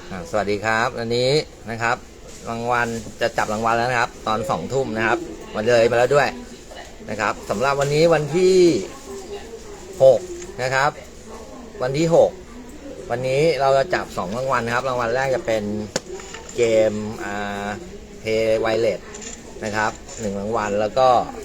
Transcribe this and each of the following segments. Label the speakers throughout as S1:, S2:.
S1: สวัสดีครับอันนี้นะครับรางวัลจะจับรางวัลแล้วนะครับตอน2 ทุ่มนะครับมาเลยมาแล้วด้วยนะครับสำหรับวันนี้วันที่6นะครับวันที่6วันนี้เราจะจับ2 รางวัลครับรางวัลแรกจะเป็นเกมเพย์ไวเลสนะครับ1 รางวัลแล้วก็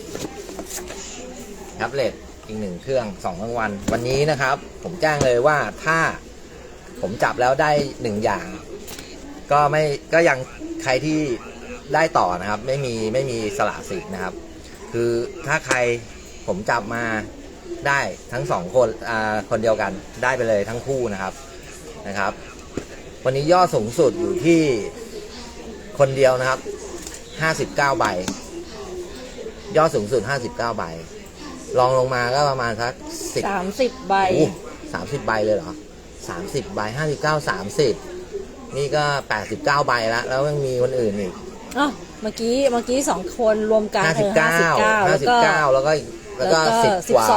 S1: แท็บเล็ตอีก1 เครื่อง2 รางวัลวันนี้นะครับผมแจ้งเลยว่าถ้าผมจับแล้วได้1 อย่างก็ยังใครที่ได้ต่อนะครับไม่มีสละสิทธิ์นะครับคือถ้าใครผมจับมาได้ทั้ง2 คนคนเดียวกันได้ไปเลยทั้งคู่นะครับวันนี้ยอดสูงสุดอยู่ที่คนเดียวนะครับ59 ใบยอดสูงสุด59 ใบลองลงมาก็ประมาณสัก
S2: 30 ใบ
S1: 30 ใบเลยเหรอ30 ใบ59 30นี่ก็89 ใบแล้วยังมีคนอื่นอีก
S2: เมื่อกี้2 คนรวมกัน
S1: 59แล้วก็10 กว่า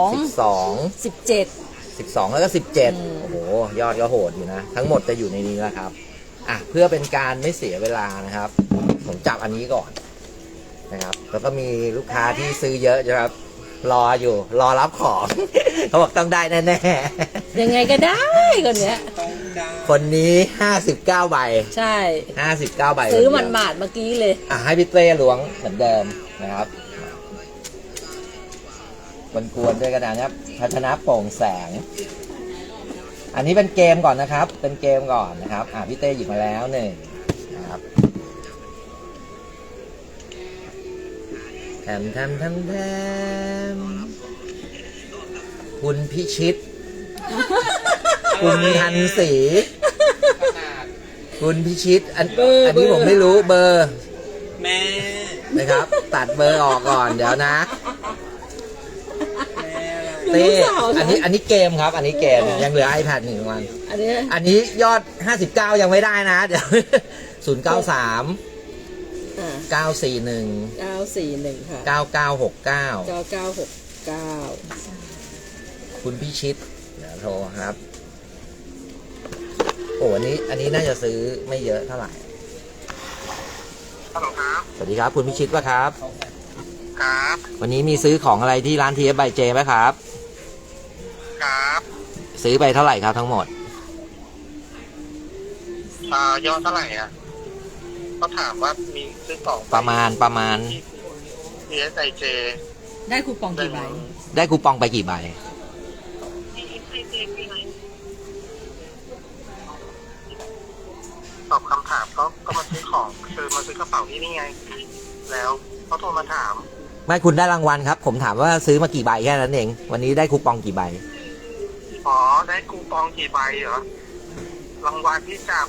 S1: 12แล้วก็17โอ้โหยอดก็โหดอยู่นะทั้งหมดจะอยู่ในนี้แล้วครับเพื่อเป็นการไม่เสียเวลานะครับผมจับอันนี้ก่อนนะครับแล้วก็มีลูกค้าที่ซื้อเยอะนะครับรอรับของ เขาบอกต้องได้แน่
S2: ๆยังไงก็ได้
S1: คนนี้59 ใบ
S2: ใช่
S1: 59 ใบ
S2: ซื้อมันหมาดเมื่อกี้เลย
S1: ให้พี่เต้ล้วงเหมือนเดิมนะครับกวนด้วยกระดานครับพัฒนาโปร่งแสงอันนี้เป็นเกมก่อนนะครับเป็นเกมก่อนนะครับพี่เต้หยิบมาแล้ว1นะครับแถมคุณพิชิตคุณทันศรีคุณพิชิตอันนี้ผมไม่รู้เบอร์
S3: แม่
S1: นะครับตัดเบอร์ออกก่อนเดี๋ยวนะเต้อันนี้เกมครับอันนี้เกมยังเหลือ iPad 1 วันอันนี้ยอด59ยังไม่ได้นะเดี๋ยว093 941
S2: ค่ะ
S1: 9969คุณพิชิตเดี๋ยวโทรครับโอ้อันนี้น่าจะซื้อไม่เยอะเท่าไหร่
S3: ฮัลโหลครับ
S1: สวัสดีครับคุณพิชิตป่ะครับ
S3: ครับ
S1: วันนี้มีซื้อของอะไรที่ร้าน TF by J ไหมครับ
S3: ครับ
S1: ซื้อไปเท่าไหร่ครับทั้งหมด
S3: ยอดเท่าไหร่ก็ถามว่ามีซื้อของ
S1: ประมาณ
S3: TSIJ
S2: ได้คูปองกี่ใบ
S1: ได้คูปองไปกี่ใบ
S3: ตอบคำถามก็มาซื้อของคือมาซื้อกระเป๋าที่นี่ไงแล้วเขาโทรมาถาม
S1: ไม่คุณได้รางวัลครับผมถามว่าซื้อมากี่ใบแค่นั้นเองวันนี้ได้คูปองกี่ใบ
S3: ได้คูปองกี่ใบเหรอรางวัลที่จับ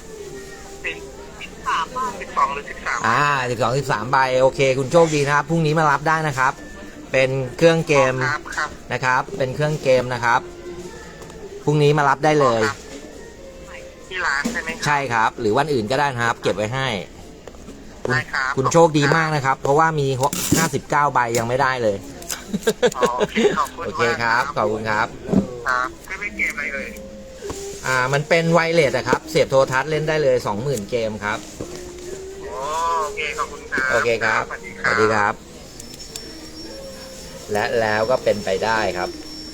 S3: 12 หรือ 13
S1: 13 ใบโอเคคุณโชคดีนะครับพรุ่งนี้มารับได้นะครับเป็นเครื่องเกมนะครับเป็นเครื่องเกมนะครับพรุ่งนี้มารับได้เลย
S3: ที่ร้านใช่ไหม
S1: ใช่ครับหรือวันอื่นก็ได้นะครับเก็บไว้ให้คุณโชคดีมากนะครับเพราะว่ามี59 ใบยังไม่ได้เลยโอเคครับขอบคุณครับ
S3: ไม่เกมอะไรเลย
S1: มันเป็นไวเลสครับเสียบโทรทัศน์เล่นได้เลย 20,000 เกมครับ
S3: โอเคขอบคุณครับ
S1: โอเคครับสวัสดีครับและแล้วก็เป็นไปได้ครับ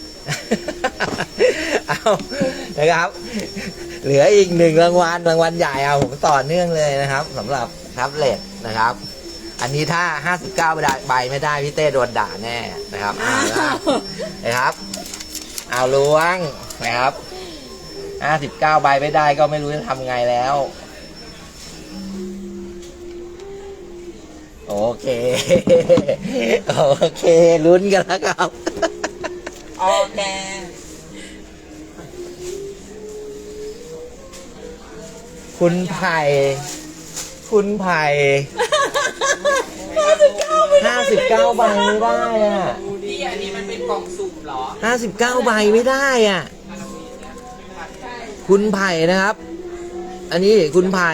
S1: เอานะครับเหลืออีก1 รางวัลใหญ่ผมต่อเนื่องเลยนะครับสำหรับแท็บเล็ตนะครับอันนี้ถ้า59 ใบไม่ได้พี่เต้โดนด่าแน่นะครับนะครับเอาล้วงนะครับ59 ใบไม่ได้ก็ไม่รู้จะทำไงแล้วโอเคลุ้นกันแล้วครับ
S2: โอเค
S1: คุณไผ่59 ใบไม่ได้
S3: นี่อันนี้มันเป็นกล่องสุ่มเหรอ
S1: 59 ใบไม่ได้คุณไผ่นะครับอันนี้คุณไผ่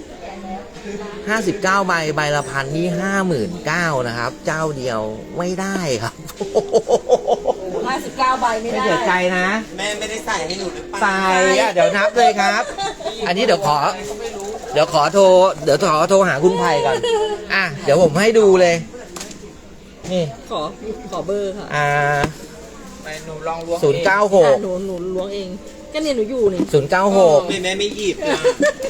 S1: 59 ใบละ1,000นี่59,000นะครับเจ้าเดียวไม่ได้ครับ
S2: 59 ใบไม่
S1: ไม่
S2: ได้
S1: เสียใจนะ
S4: แม่ไม่ได้ใส่ให้หนูหรือเปล่า
S1: ใส่อะเดี๋ยวนับเลยครับ อันนี้เดี๋ยวขอโทรหาคุณไผ่ก่อนอ่ะเดี๋ยวผมให้ดูเลยนี่
S2: ขอเบอร์ค่ะ
S4: ไปหนูลองล้วง
S1: 096
S2: หนูล้วงเอง ก็เนี่ยหนูอยู่นี่
S1: 096
S4: แม่ไม่หยิบนะ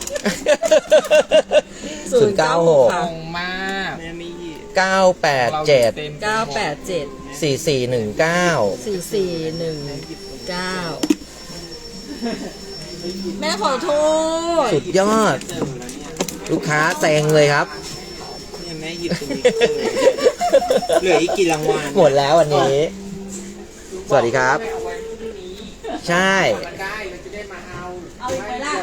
S1: 096
S4: ตรงมากแม่ไม่หยิบ
S1: 987
S2: 987
S1: 4419
S2: 4419 แม่ขอโทษ
S1: สุดยอด ลูกค้าแซงเลยครับ
S4: เนี่ยแม่หยิบตรงนี้เหลืออีกกี่รางวัล
S1: หมดแล้ววันนี้ สวัสดีครับ ใช่
S2: เอาอีกไหมล่ะ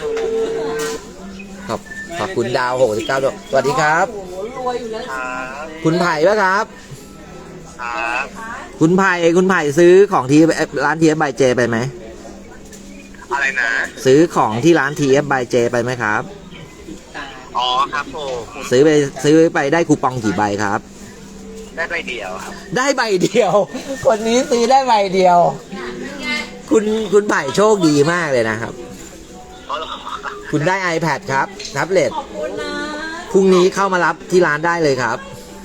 S1: ขอบคุณดาว69ด้วยสวัสดีครับ
S2: โอ้โหรวยอยู่แล้ว
S3: ครับ
S1: คุณไผ่ปะครับ
S3: ครับ
S1: คุณไผ่ซื้อของที่ร้าน TF by J ไปไหม
S3: อะไรนะ
S1: ซื้อของที่ร้าน TF by J ไปไหมครับ
S3: อ๋อครับผม
S1: ซื้อไปได้คูปองกี่ใบครับ
S3: ได้ใบเดียวครับ
S1: ได้ใบเดียว คนนี้ซื้อได้ใบเดียว คุณไผ่โชคดีมากเลยนะครับ
S3: อ๋อเหรอ
S1: คุณได้ iPad ครับแท็บเล็ต
S2: ขอบคุณนะ
S1: พรุ่งนี้เข้ามารับที่ร้านได้เลยครับ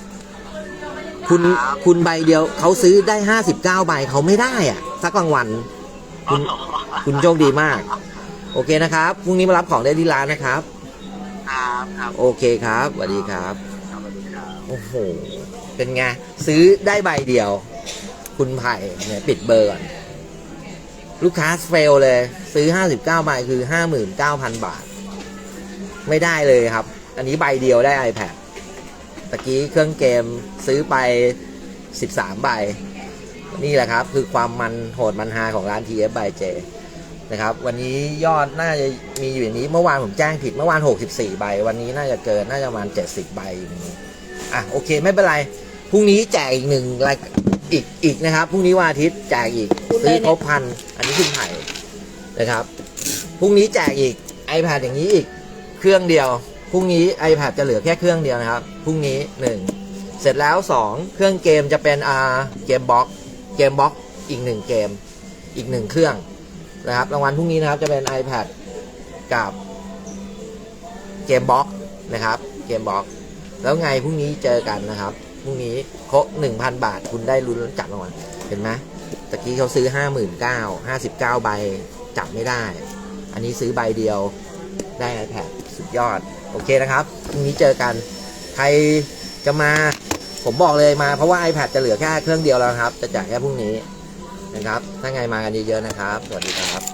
S1: คุณใบเดียวเขาซื้อได้59ใบเขาไม่ได้อ่ะสักรางวัลคุณโชคดีมาก โอเคนะครับพรุ่งนี้มารับของได้ที่ร้านนะครับ
S3: ครับ
S1: โอเคครับสวัสดีครับ
S3: สวัสดีครับ
S1: โอ้โหเป็นไงซื้อได้ใบเดียว คุณไผ่เนี่ยปิดเบอร์ก่อนลูกค้าเฟลเลย ซื้อ59ใบคือ 59,000 บาท ไม่ได้เลยครับ อันนี้ใบเดียวได้ iPad ตะกี้เครื่องเกมซื้อไป13ใบนี่แหละครับคือความมันโหดมันฮาของร้าน TF by J นะครับวันนี้ยอดน่าจะมีอยู่อย่างนี้เมื่อวานผมแจ้งผิดเมื่อวาน64ใบวันนี้น่าจะเกินน่าจะประมาณ70ใบอย่างนี้อ่ะโอเคไม่เป็นไรพรุ่งนี้แจกอีกหนึ่งรายอีกนะครับพรุ่งนี้วันอาทิตย์แจกอีกซื้อครบพันอันนี้คุณไผ่นะครับพรุ่งนี้แจกอีก iPad อย่างนี้อีกเครื่องเดียวพรุ่งนี้ iPad จะเหลือแค่เครื่องเดียวนะครับพรุ่งนี้1เสร็จแล้ว2เครื่องเกมจะเป็นเกมบ็อกอีก1เกมอีก1เครื่องนะครับรางวัลพรุ่งนี้นะครับจะเป็น iPad กับเกมบ็อกนะครับเกมบ็อกแล้วไงพรุ่งนี้เจอกันนะครับพรุ่งนี้ครบ 1,000 บาทคุณได้ลุ้นจับรางวัลเห็นไหมตะกี้เขาซื้อ 59,000 ใบจับไม่ได้อันนี้ซื้อใบเดียวได้ iPad สุดยอดโอเคนะครับพรุ่งนี้เจอกันใครจะมาผมบอกเลยมาเพราะว่า iPad จะเหลือแค่เครื่องเดียวแล้วครับจะแจกแค่พรุ่งนี้นะครับถ้าไงมากันเยอะๆนะครับสวัสดีครับ